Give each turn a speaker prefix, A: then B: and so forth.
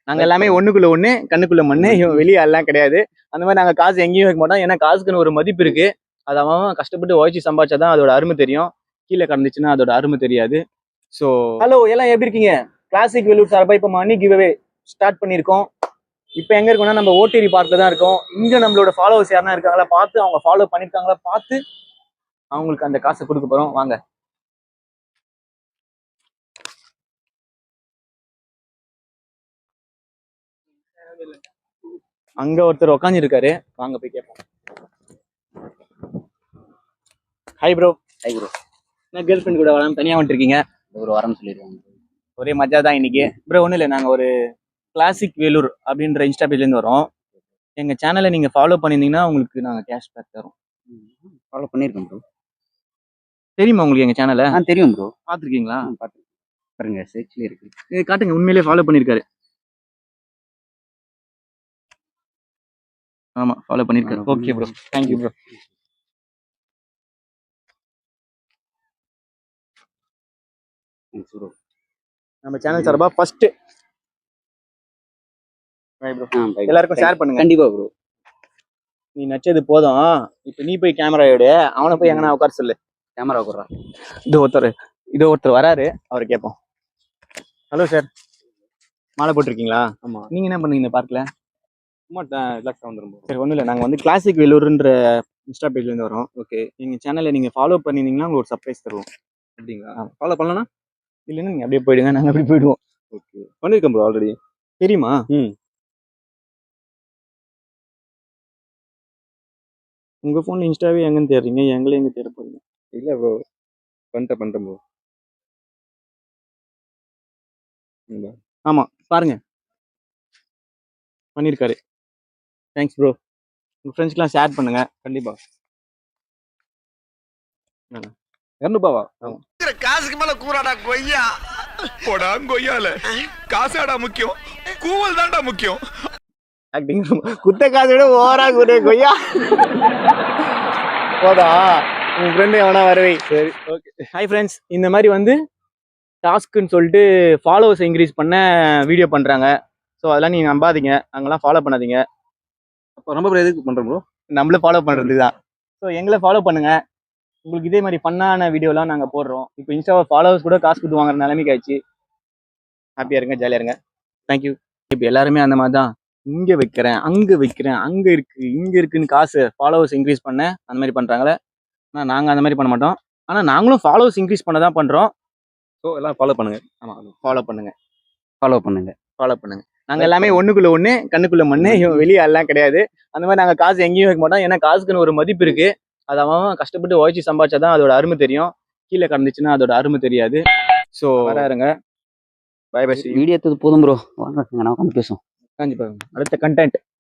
A: நாங்க எல்லாமே ஒண்ணுக்குள்ள ஒண்ணு கண்ணுக்குள்ள மண்ணு வெளியே எல்லாம் கிடையாது. அந்த மாதிரி நாங்க காசு எங்கேயும் வைக்க மாட்டோம். ஏன்னா காசுக்குன்னு ஒரு மதிப்பு இருக்கு. அது அவன் கஷ்டப்பட்டு உழைச்சி சம்பாதிச்சாதான் அதோட அருமை தெரியும். கீழே கடந்துச்சுன்னா அதோட அருமை தெரியாது. ஸோ ஹலோ எல்லாம் எப்படி இருக்கீங்க? கிளாசிக் வெல்லூர் சார்பா இப்போ மணி கிவ்அவே ஸ்டார்ட் பண்ணியிருக்கோம். இப்போ எங்க இருக்கோம்னா நம்ம ஓட்டேரி பார்க்ல தான் இருக்கோம். இங்க நம்மளோட ஃபாலோவர்ஸ் யாருன்னா இருக்காங்களா பார்த்து, அவங்க ஃபாலோ பண்ணிருக்காங்களா பார்த்து அவங்களுக்கு அந்த காசை கொடுக்க போறோம். வாங்க. அங்க ஒருத்தர் உட்காந்துருக்காரு, வாங்க போய் கேட்போம். Hi bro.
B: Hi bro.
A: நான் கேர்ள் ஃப்ரெண்ட் கூட வராம தனியா வந்துருக்கீங்க?
B: ஒரு வாரம் சொல்லிடுவாங்க.
A: ஒரே மஜா தான் இன்னைக்கு. ப்ரோ ஒன்றும் இல்லை, நாங்கள் ஒரு கிளாசிக் வேலூர் அப்படின்ற இன்ஸ்டா பேஜ்லேருந்து வரோம். எங்கள் சேனலை நீங்கள் ஃபாலோ பண்ணியிருந்தீங்கன்னா உங்களுக்கு நாங்கள் கேஷ்பேக் தரோம்.
B: ஃபாலோ பண்ணியிருக்கேன் ப்ரோ.
A: தெரியுமா உங்களுக்கு எங்கள் சேனலை?
B: தெரியும் ப்ரோ.
A: பார்த்துருக்கீங்களா?
B: பார்த்துருக்கேன். பாருங்க சர்ச்லேயே இருக்கு.
A: இது காட்டுங்க, உண்மையிலேயே ஃபாலோ பண்ணியிருக்காரு. ஆமாம், ஃபாலோ பண்ணியிருக்காரு. Okay bro, thank you bro. நம்ம சேனல் சார்பா ஃபர்ஸ்ட் எல்லாருக்கும் ஷேர் பண்ணுங்க.
B: கண்டிப்பா ப்ரோ.
A: நீ நச்சது போதும். இப்போ நீ போய் கேமரா எடு, அவனை போய் எங்கன்னா உட்கார சொல்லு.
B: கேமரா உட்கார.
A: இதோ ஒருத்தர் வராரு, அவரை கேட்போம். ஹலோ சார், மாலை போட்டிருக்கீங்களா?
B: ஆமா.
A: நீங்க என்ன பண்ணீங்க பார்க்கல?
B: சும்மா ரிலாக்ஸாக வந்துடும்.
A: சரி, ஒன்றும் இல்லை, நாங்கள் வந்து கிளாசிக் வேலூர்ன்ற இன்ஸ்டா பேஜ்லேருந்து வரோம். ஓகே, எங்கள் சேனலை நீங்கள் ஃபாலோ பண்ணியிருந்தீங்கன்னா உங்களுக்கு ஒரு சர்ப்ரைஸ் தருவோம்.
B: அப்படிங்களா? ஃபாலோ பண்ணலன்னா
A: இல்லைன்னா நீங்கள் அப்படியே போயிடுங்க, நாங்கள் அப்படி போயிடுவோம்.
B: ஓகே, பண்ணியிருக்கேன் ப்ரோ ஆல்ரெடி.
A: தெரியுமா? உங்கள் ஃபோனில் இன்ஸ்டாவே எங்கன்னு தேடுறீங்க, எங்களே எங்கே தேட போறீங்க?
B: இல்லை ப்ரோ, பண்ணிட்டேன் ப்ரோ.
A: ஆமாம், பாருங்க, பண்ணியிருக்காரு. Thanks bro. உங்கள் ஃப்ரெண்ட்ஸ்க்கெலாம் ஷேர் பண்ணுங்க.
B: கண்டிப்பாக. 200
A: ஆமாம்.
C: காசுக்கு மேல கூறாடா கொய்யா. போடா கொய்யால காசாடா முக்கியம், கூவல் தான்டா முக்கியம்.
A: ஆக்டிங் குத்த காசை விட ஓவரா கூட்ட கொய்யா. போதா உன் ஃப்ரெண்டு எவனா வரவை. சரி, ஓகே. ஹாய் ஃப்ரெண்ட்ஸ், இந்த மாதிரி வந்து டாஸ்க்குன்னு சொல்லிட்டு ஃபாலோவர்ஸ் இன்க்ரீஸ் பண்ண வீடியோ பண்ணுறாங்க. ஸோ அதெல்லாம் நீங்கள் நம்பாதீங்க, அங்கெல்லாம் ஃபாலோ பண்ணாதீங்க.
B: அப்போ ரொம்ப பேர் எதுக்கு பண்ணுறோம் ப்ரோ?
A: நம்மள ஃபாலோ பண்ணுறது தான். ஸோ எங்களை ஃபாலோ பண்ணுங்க. உங்களுக்கு இதே மாதிரி பண்ணான வீடியோலாம் நாங்கள் போடுறோம். இப்போ இன்ஸ்டாவை ஃபாலோவர்ஸ் கூட காசு கொடுத்து வாங்குற நிலைமைக்கு ஆயிடுச்சு. ஹாப்பியாக இருங்க, ஜாலியாக இருங்க. தேங்க்யூ. இப்போ எல்லாருமே அந்த மாதிரி தான், இங்கே வைக்கிறேன், அங்கே வைக்கிறேன், அங்கே இருக்குது, இங்கே இருக்குன்னு காசு ஃபாலோவர்ஸ் இன்க்ரீஸ் பண்ண அந்த மாதிரி பண்ணுறாங்களே. ஆனால் நாங்கள் அந்த மாதிரி பண்ண மாட்டோம். ஆனால் நாங்களும் ஃபாலோவர்ஸ் இன்க்ரீஸ் பண்ண தான் பண்ணுறோம்.
B: ஸோ எல்லாம் ஃபாலோ பண்ணுங்க.
A: ஆமாம், ஃபாலோ பண்ணுங்க,
B: ஃபாலோ பண்ணுங்க,
A: ஃபாலோ பண்ணுங்க. நாங்கள் எல்லாமே ஒன்றுக்குள்ள ஒன்று கண்ணுக்குள்ள மண்ணு, வெளியே எல்லாம் கிடையாது. அந்த மாதிரி நாங்கள் காசு எங்கேயும் வைக்க மாட்டோம். ஏன்னா காசுக்குன்னு ஒரு மதிப்பு இருக்குது. அது அவன் கஷ்டப்பட்டு உழைச்சி சம்பாதிச்சாதான் அதோட அருமை தெரியும். கீழே கடந்துச்சுன்னா அதோட அருமை தெரியாது. ஸோ வராருங்க. Bye bye.
B: வீடியோ எடுத்தது போதும் ப்ரோ, வாங்க நான் உட்காந்து பேசுவோம்.
A: கண்டிப்பாக அடுத்த கண்டென்ட்